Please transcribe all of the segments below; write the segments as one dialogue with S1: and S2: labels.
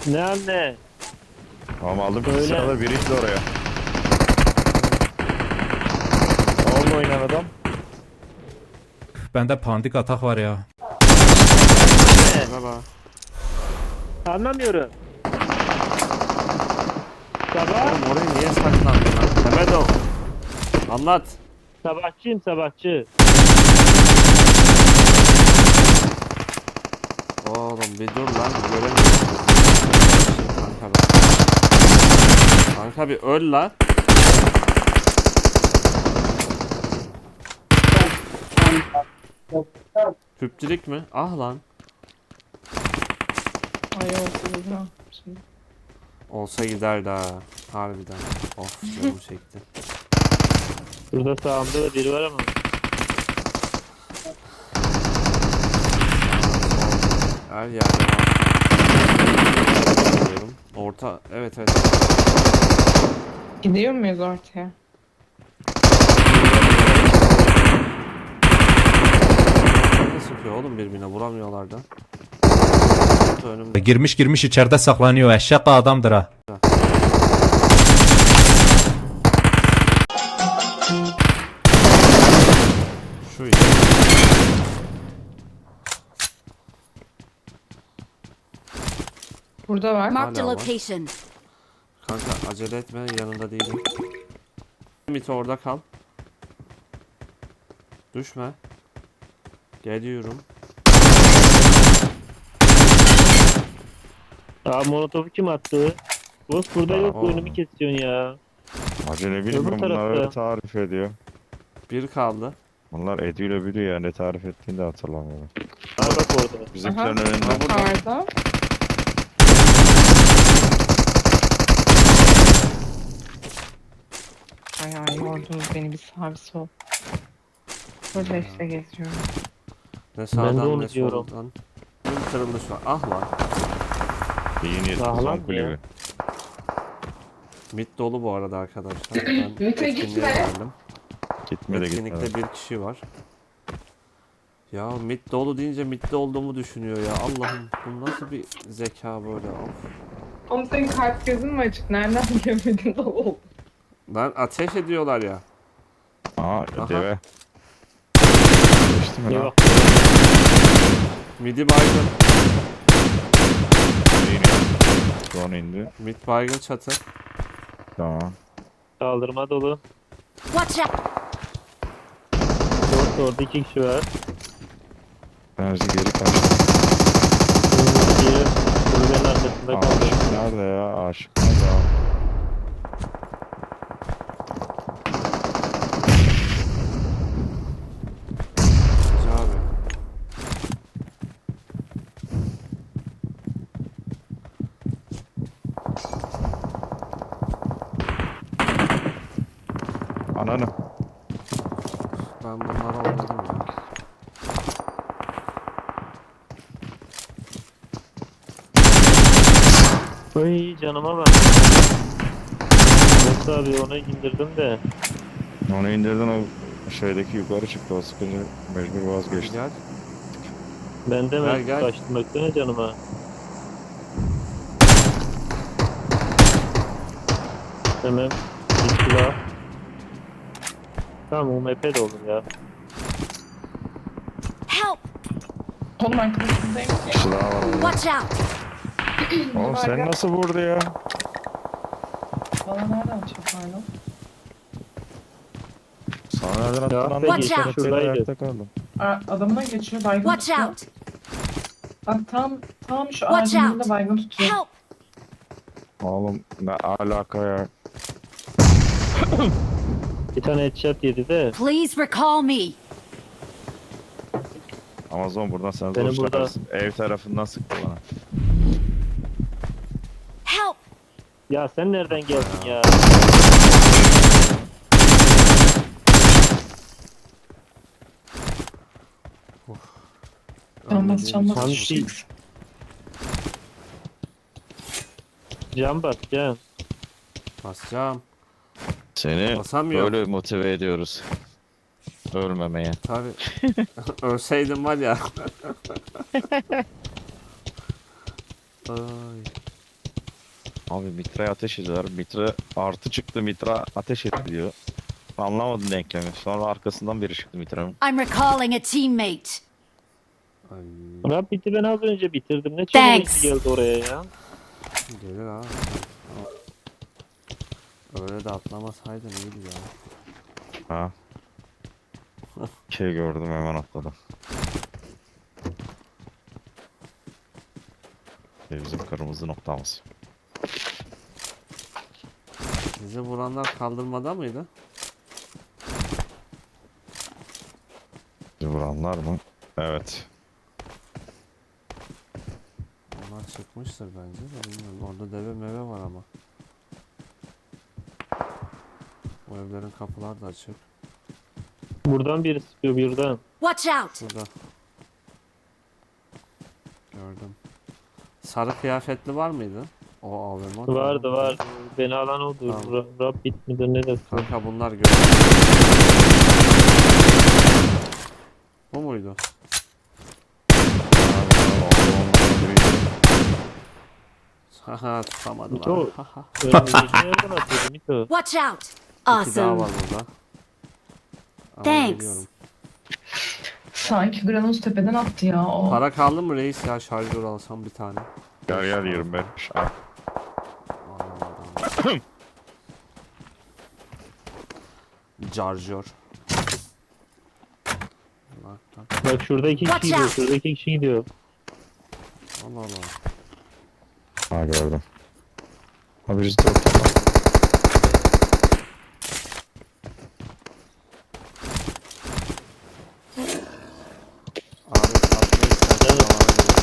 S1: Ne anne?
S2: Tamam aldım
S1: Öyle.
S2: ki sırada biri indi oraya. Onunla oynayan adam.
S3: Bende pandik atak var ya.
S4: Merhaba.
S1: Anlamıyorum. Sabah
S4: Oğlum oraya niye saklandın lan? Mehmet o. Anlat.
S1: sabahçıyım sabahçı.
S4: Oğlum bir dur lan. Göremiyorum. Kanka bak. Kanka bir öl lan. Küpçülük mü? Ah lan.
S5: Ay olsun ha. Şimdi.
S4: Olsa giderdi ha. Harbiden. Of canım çekti.
S1: Burada sağımda da biri var ama.
S4: Her yerde var. Diyorum. Orta. Evet evet.
S5: Gidiyor muyuz ortaya?
S4: Ne sıkıyor oğlum birbirine vuramıyorlar da. Önümde.
S3: Girmiş içeride saklanıyor. Eşek adamdır ha.
S4: Şu iyi.
S5: Burada var.
S6: Marked a
S4: Hala var.
S6: location.
S4: Kanka acele etme yanında değilim. Mit orada kal. Düşme. Geliyorum.
S1: Aa molotofu kim attı? Boss burada
S4: Aa,
S1: yok
S4: o.
S1: oyunumu kesiyorsun ya.
S2: Acele
S1: Öbür
S2: bilmiyorum bunlar
S1: tarafta.
S2: öyle tarif ediyor.
S4: Bir kaldı.
S2: Bunlar ediyle biliyor ya ne tarif ettiğini de hatırlamıyorum.
S1: Aa bak orada.
S2: Bizimkilerin
S5: Aha.
S2: önünde.
S5: Karda. Ay ay yordunuz beni bir sağ bir sol. Burada işte geziyorum.
S4: Ne
S1: de
S4: sağdan
S1: onu
S4: ne
S1: diyorum.
S4: soldan. Bir kırılmış var. Ah lan.
S2: Yeni
S1: Daha lan
S2: son
S1: ya.
S2: kulübü.
S4: Mid dolu bu arada arkadaşlar. Ben
S5: Mite
S4: etkinliğe
S5: gitme.
S4: geldim.
S2: Gitme de
S4: Etkinlikte
S2: gitme.
S4: bir kişi var. Ya mid dolu deyince midde olduğumu düşünüyor ya. Allah'ım bu nasıl bir zeka böyle. Of.
S5: Oğlum senin kalp gözün mü açık? Nereden görmedin de oldu?
S4: Lan ateş ediyorlar ya.
S2: Aa
S4: Aha.
S2: deve. Geçti mi
S1: Ne
S2: lan?
S1: bak.
S4: Midi baygın.
S2: İniyor. Drone indi.
S4: Mid baygın çatı.
S2: Tamam.
S1: Kaldırma dolu.
S6: Watch out!
S1: Orada iki kişi var.
S2: Enerji geri kaçtı.
S1: Biri kulübenin arkasında kaldı.
S2: Aşık nerede ya? Aşık nerede abi?
S4: Hacı abi.
S2: Ananı.
S4: Ben bunlara oynadım ya.
S1: Ay canıma bak. Boss abi onu indirdim de.
S2: Onu indirdin o şeydeki yukarı çıktı o sıkıcı mecbur vazgeçti.
S4: Gel.
S1: Ben de
S4: Gel,
S1: mi
S4: gel.
S1: kaçtım baksana canıma. Hemen bir silah. Tamam UMP de olur ya.
S6: Help!
S5: Oğlum arkadaşındayım.
S2: Kişi daha var orada.
S6: Watch out!
S2: Oğlum sen nasıl vurdu ya?
S5: Bana nereden çarpardın?
S2: Sana nereden attın
S1: Ya,
S2: anlamadım.
S6: Watch out.
S1: Şuradaydı.
S2: Ayakta kaldım.
S5: Adamına geçiyor baygın
S6: Watch
S5: tutuyor.
S6: out!
S5: Bak tam şu
S6: Watch
S5: ağacın
S6: out.
S5: önünde baygın tutuyor.
S6: Help!
S2: Oğlum ne alaka ya?
S1: Bir tane headshot yedi de.
S6: Please recall me.
S2: Amazon buradan sen
S1: Beni
S2: zor
S1: burada-
S2: çıkarsın. Ev tarafından sıktı bana.
S6: Help!
S1: Ya sen nereden geldin ya?
S5: Canmaz canmaz.
S1: Tam şey. Can bas can.
S4: Basacağım.
S2: Seni
S4: Basamıyor.
S2: böyle motive ediyoruz. Ölmemeye.
S4: Tabi. Ölseydim var ya. Ay.
S2: Abi Mitra'ya ateş ediyorlar. Mitra artı çıktı. Mitra ateş etti diyor. Anlamadım denklemi. Sonra arkasından biri çıktı Mitra'nın.
S6: I'm recalling a teammate.
S4: Ay
S1: Rabbit'i ben az önce bitirdim. Ne çabuk
S6: Thanks.
S1: hızlı geldi oraya ya.
S4: gelir abi. Öyle de atlamasaydın iyiydi ya.
S2: Ha. Şey gördüm hemen atladım. Bizim kırmızı noktamız.
S4: Bizi vuranlar kaldırmada mıydı?
S2: Bizi vuranlar mı? Evet.
S4: Onlar çıkmıştır bence de bilmiyorum. Orada deve meve var ama. Bu evlerin kapılar da açık.
S1: Buradan biri sıkıyor birden.
S6: Watch out!
S4: Burada. Gördüm. Sarı kıyafetli var mıydı? O AVM.
S1: Vardı vardı. Beni alan oldu.
S4: Tamam.
S1: Rabbit midir ne dersin?
S4: Kanka bunlar gördüm. Bu muydu? Haha tutamadım
S1: Mito.
S4: abi. Haha.
S1: Önümüzdeki yerden atıyordu Mito.
S6: Watch out!
S4: İki daha
S6: Awesome.
S4: var burada. Ama
S6: Thanks.
S4: biliyorum.
S5: Sanki Granos tepeden attı ya o.
S4: Para kaldı mı reis ya, şarjör alsam bir tane.
S2: Gel gel 25. Al.
S4: Anlamadım. Şarjör. Bak bak.
S1: Bak şurada iki kişi
S6: Watch
S1: gidiyor.
S6: out.
S1: Şurada iki kişi gidiyor.
S4: Allah Allah.
S2: Ha gördüm. Abi biz dört.
S4: Abi atmayı istersen
S1: Evet.
S4: alana gidelim.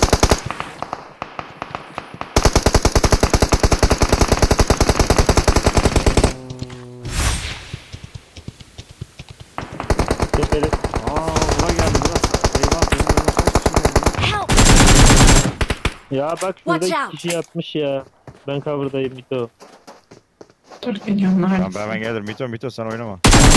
S1: Tepede.
S4: Buna geldi burası. Eyvah benim önüme kaç kişi geldi?
S6: Help!
S1: Ya bak şurada
S6: Watch
S1: iki
S6: out.
S1: kişi yatmış ya. Ben cover'dayım Mito.
S5: Dur geliyorum
S2: Tamam
S5: neredesin?
S2: ben gelirim. Mito sen oynama.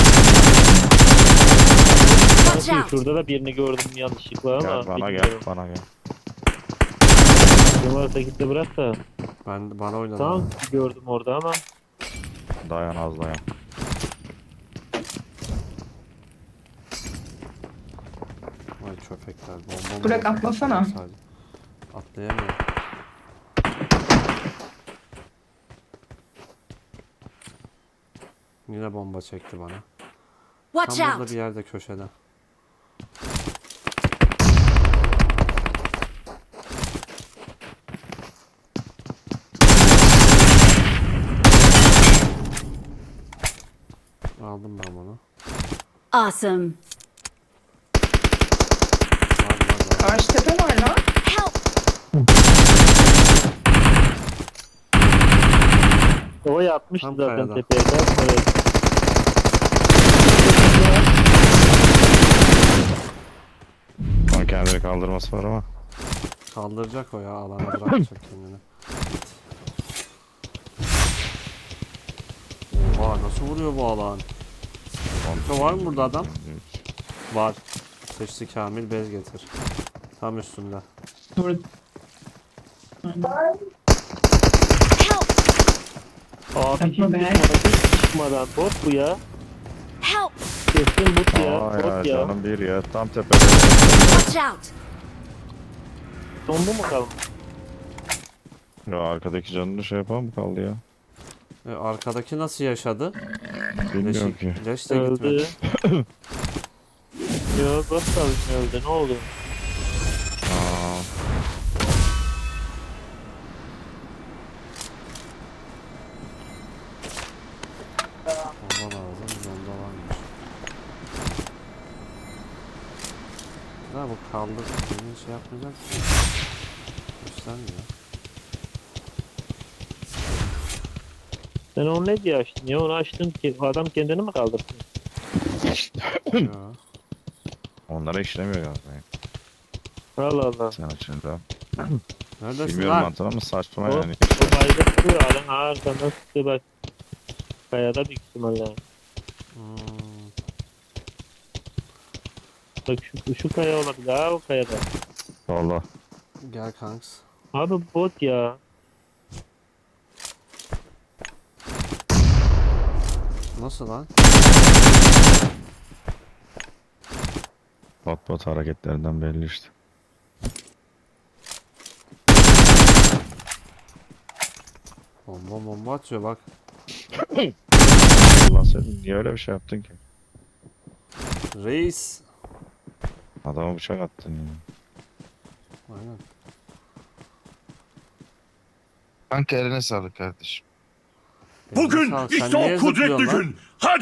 S6: Watch
S1: Bakın
S6: out!
S1: şurada da birini gördüm yanlışlıkla ama.
S2: Gel bana gel.
S1: bilmiyorum.
S2: Bana gel.
S1: Kim varsa git de bırak da.
S4: Bana oynadı.
S1: Tamam gördüm orada ama.
S2: Dayan az dayan.
S4: Vay köpekler. Bomba
S5: Burak,
S4: mı?
S5: atlasana.
S4: Sadece. Atlayamıyorum. Yine bomba çekti bana.
S6: Watch
S4: Tam burada
S6: out!
S4: bir yerde köşede. Aldım ben bunu.
S6: Awesome.
S4: Var.
S5: Karşı tepe var lan.
S6: Help!
S1: O yapmıştı
S4: Tam
S1: zaten
S4: kayada.
S1: tepeye. Evet.
S2: Onun kendini kaldırması var ama.
S4: Kaldıracak o ya, alana bırakacak kendini. Oha nasıl vuruyor bu alan? Kanka var mı burada adam? Var. Seçti Kamil, bez getir. Tam üstünde.
S5: Dur.
S6: Help!
S1: Abi
S5: Yapma be.
S1: çıkmadan bot bu ya.
S6: Help!
S1: Kesin bot ya.
S2: Aa ya
S1: Bot ya.
S2: canım bir ya. Tam tepede.
S6: Watch out!
S1: Dondu mu kalmış?
S2: Ya arkadaki canını şey yapan mı kaldı ya?
S4: Arkadaki nasıl yaşadı?
S2: Bilmiyorum ki.
S4: Leş de gitmedi.
S1: Öldü. Yo bot kalmış öldü. Ne oldu?
S2: Aa,
S4: Bomba lazım. Bomba varmış. Ya bu kaldı. Beni şey yapmayacak mı? Göstermiyor.
S1: Sen onu ne diye açtın ya? Onu açtın ki adam kendini mi kaldırsın?
S4: Ya.
S2: onlara işlemiyor galiba. ya.
S1: Allah Allah.
S2: Sen açınca.
S4: Neredesin
S2: Bilmiyorum
S4: lan?
S2: mantığını ama saçma
S1: O,
S2: yani.
S1: o bayda duruyor. Adam arkandan sıktı bak. Kayada büyük ihtimalle.
S4: Hmm.
S1: Bak şu kaya olabilir. Ha o kayada.
S2: Valla.
S4: Gel kanks.
S1: Abi bot ya.
S4: nasıl lan?
S2: Bot hareketlerinden belli işte.
S4: Bomba atıyor bak.
S2: Allah seni niye öyle bir şey yaptın ki?
S4: Reis.
S2: Adama bıçak attın ya.
S4: Aynen.
S7: Kanka eline sağlık kardeşim.
S4: Bugün işte o kudretli gün.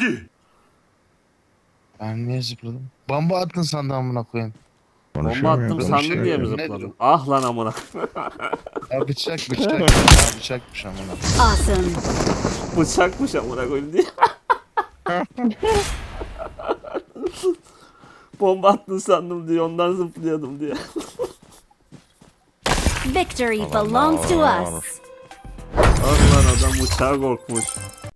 S7: Ben niye zıpladım? Bomba attın sandım amına koyayım.
S4: Bomba
S2: Konuşuyor
S4: attım
S2: muyum?
S4: sandın diye mi
S7: Nedir
S4: zıpladın?
S7: o?
S4: Ah lan amına.
S7: Ya bıçak. Bıçakmış amına.
S6: Awesome.
S4: Bıçakmış amına koyayım diye. Bomba attın sandım diye ondan zıplıyordum diye.
S6: Victory
S2: Allah
S6: belongs to
S2: Allah.
S6: us.
S4: Ah lan adam bıçağa korkmuş.